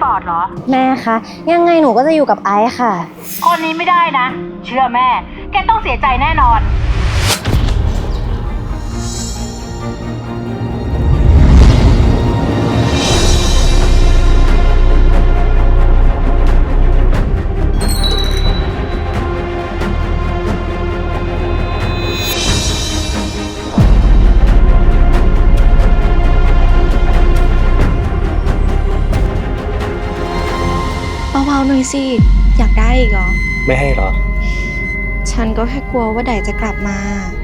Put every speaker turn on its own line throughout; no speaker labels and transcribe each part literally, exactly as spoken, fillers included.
อร์ตเหรอ
แม่คะยังไงหนูก็จะอยู่กับไอซ์ค่ะ
คนนี้ไม่ได้นะเชื่อแม่แกต้องเสียใจแน่นอน
เบาๆหน่อยสิอยากได้อีกเหรอ
ไม่ให้หรอ
ฉันก็แค่กลัวว่าไดจะกลับมา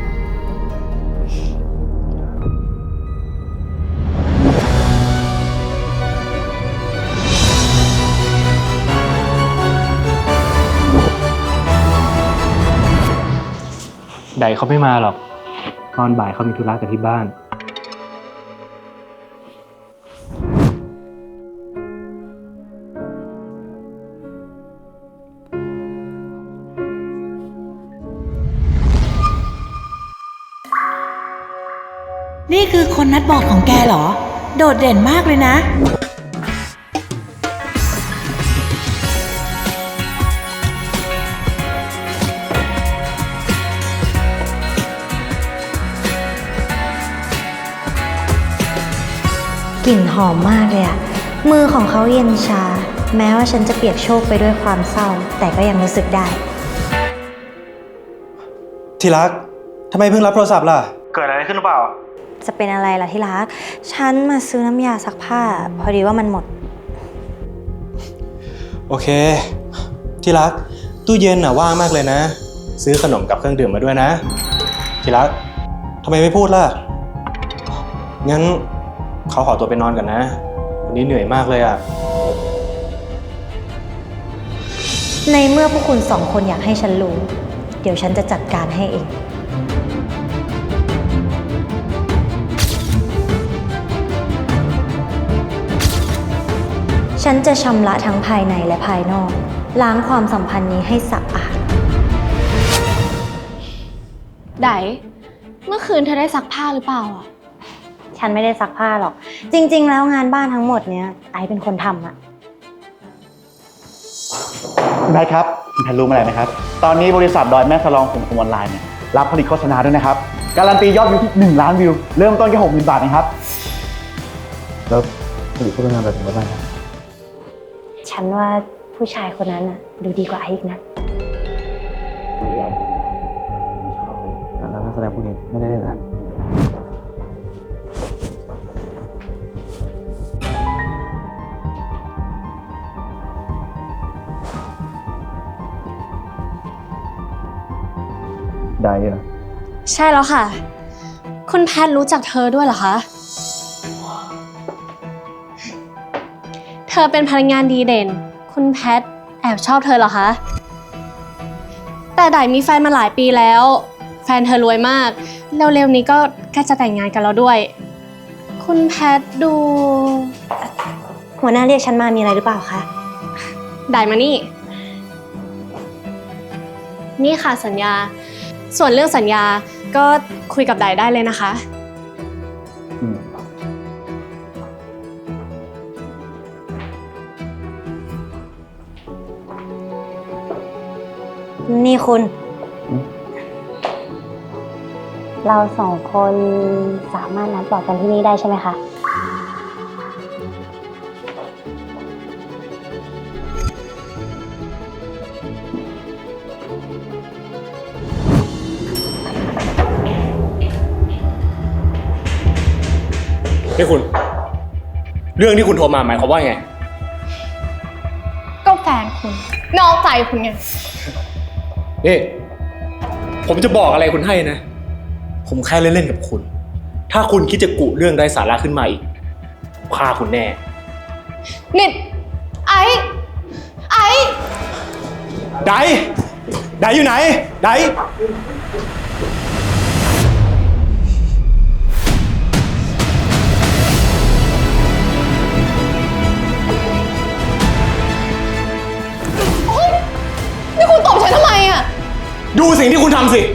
ไดเขาไม่มาหรอกตอนบ่ายเขามีธุระกันที่บ้าน
นี่คือคนนัดบอกของแกเหรอโดดเด่นมากเลยนะ
กลิ่นหอมมากเลยอะมือของเขาเย็นชาแม้ว่าฉันจะเปียกโชกไปด้วยความเศร้าแต่ก็ยังรู้สึกได้
ที่รักทำไมเพิ่งรับโทรศัพท์ล่ะเกิดอะไรขึ้นหรือเปล่า
จะเป็นอะไรล่ะที่รักฉันมาซื้อน้ำยาซักผ้าพอดีว่ามันหมด
โอเคที่รักตู้เย็นน่ะว่างมากเลยนะซื้อขนมกับเครื่องดื่มมาด้วยนะที่รักทำไมไม่พูดล่ะงั้นเขาขอตัวไปนอนกันนะวันนี้เหนื่อยมากเลยอ่ะ
ในเมื่อพวกคุณสองคนอยากให้ฉันรู้เดี๋ยวฉันจะจัดการให้เองฉันจะชำระทั้งภายในและภายนอกล้างความสัมพันธ์นี้ให้สะอาด
ไดเมื่อคืนเธอได้ซักผ้าหรือเปล่าอ่ะ
ฉันไม่ได้ซักผ้าหรอกจริงๆแล้วงานบ้านทั้งหมดเนี้ยไอซ์เป็นคนทำอะ
คุณแพทครับคุณแพทรู้มาอะไรไหมครับตอนนี้บริษัทดอยแม่สลองของออนไลน์เนี่ยรับผลิตโฆษณาด้วยนะครับการันตียอดวิวที่หนึ่งล้านวิวเริ่มต้นแค่หกหมื่นบาทเองครับแล้วผลิตโฆษณาแบบไหนบ้างครับ
ฉันว่าผู้ชายคนนั้นน่ะดูดีกว่าไอซ์อีกนะ
แล้วนักแสดงพวกนี้ไม่ได้เล่นนะได้เหรอ
ใช่แล้วค่ะ คุณแพทรู้จักเธอด้วยเหรอคะเธอเป็นพนักงานดีเด่นคุณแพทแอบชอบเธอเหรอคะแต่ไดมีแฟนมาหลายปีแล้วแฟนเธอรวยมากเร็วๆนี้ก็ใกล้จะแต่งงานกันแล้วด้วยคุณแพทดู
หัวหน้าเรียกฉันมามีอะไรหรือเปล่าคะ
ไดมานี่นี่ค่ะสัญญาส่วนเรื่องสัญญาก็คุยกับไดได้เลยนะคะ
นี่คุณเราสองคนสามารถนัดบอกกันที่นี่ได้ใช่ไหมคะ
นี่คุณเรื่องที่คุณโทรมาหมายความว่าไง
ก็แฟนคุณนอกใจคุณไง
นี่ผมจะบอกอะไรคุณให้นะผมแค่เล่นๆกับคุณถ้าคุณคิดจะกุเรื่องไร้สาระขึ้นมาอีกฆ่าคุณแน่
นิดไอ้ไอ้
ไดไดอยู่ไหนได
นี่คุณตบฉันทำไมอ่ะ
ดูสิ่งที่คุณทำสิ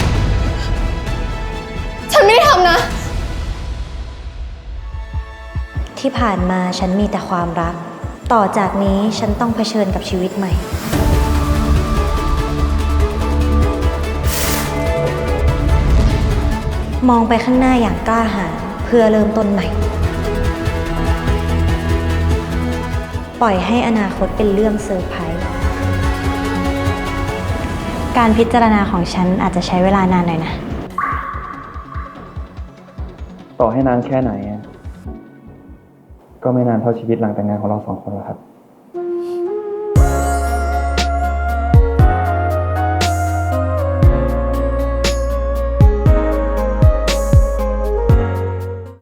ฉันไม่ได้ทำนะ
ที่ผ่านมาฉันมีแต่ความรักต่อจากนี้ฉันต้องเผชิญกับชีวิตใหม่ มองไปข้างหน้าอย่างกล้าหาญเพื่อเริ่มต้นใหม่ ปล่อยให้อนาคตเป็นเรื่องเซอร์ไพรส์ การพิจารณาของฉันอาจจะใช้เวลานานหน่อยนะ
ต่อให้นานแค่ไหนอะก็ไม่นานเท่าชีวิตหลังแต่งงานของเราสองคนหรอกครับ